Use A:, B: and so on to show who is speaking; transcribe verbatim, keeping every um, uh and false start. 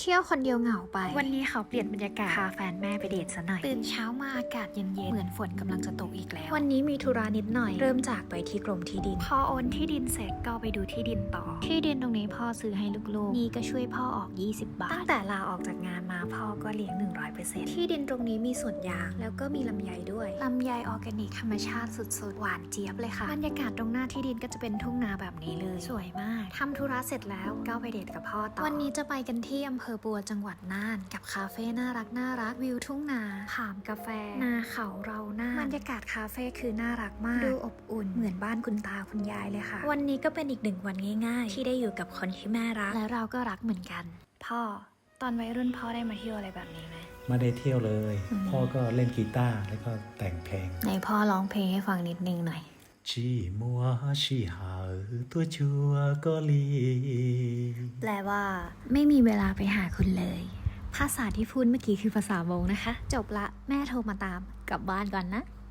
A: ที่ยวคนเดียวเหงาไป
B: วันนี้เขาเปลี่ยนบรรยากาศพาแฟนแม่ไปเดทซะหน่อย
A: ตื่นเช้ามาอากาศเย็นๆเหมือนฝนกำลังจะตกอีกแล้ว
B: วันนี้มีธุระนิดหน่อย
A: เริ่มจากไปที่กรมที่ดิน
B: พอโอนที่ดินเสร็จก็ไปดูที่ดินต่อ
A: ที่ดินตรงนี้พ่อซื้อให้ลูกๆนี่ก็ช่วยพ่อออกยี่สิบบาท
B: ตั้งแต่ลาออกจากงานมาพ่อก็เลี้ยง หนึ่งร้อยเปอร์เซ็นต์
A: ที่ดินตรงนี้มีสวนยางแล้วก็มีลำไยด้วยลำไยออร์แกนิกธรรมชาติสุดๆหวานเจี๊ยบเลยค่ะบรรยากาศตรงหน้าที่ดินก็จะเป็นทุ่งนาแบบนี้เลยสวยมากทำธุระเสร็จแล้วก็ไปเดทกับพ่อต่อวันนี้จะไปกันที่อำเภอปัวจังหวัดน่านกับคาเฟ่น่ารักน่ารักวิวทุ่งนาผามกาแฟนาเขาเราหน้าบรรยากาศคาเฟ่คือน่ารักมากดูอบอุ่นเหมือนบ้านคุณตาคุณยายเลยค่ะวันนี้ก็เป็นอีกหนึ่งวันง่ายๆที่ได้อยู่กับคนที่แม่รักและเราก็รักเหมือนกันพ่อตอนวัยรุ่นพ่อได้มาเที่ยวอะไรแบบนี้ไหม
C: ไม่ได้เที่ยวเลยพ่อก็เล่นกีตาร์แล้วก็แต่งเพลง
A: ไหนพ่อร้องเพลงให้ฟังนิดนึงหน่อย
C: ชีมัวชีหาตัวชัวก็ลี
A: แปลว่าไม่มีเวลาไปหาคุณเลยภาษาที่พูดเมื่อกี้คือภาษามงนะคะจบละแม่โทรมาตามกลับบ้านก่อนนะ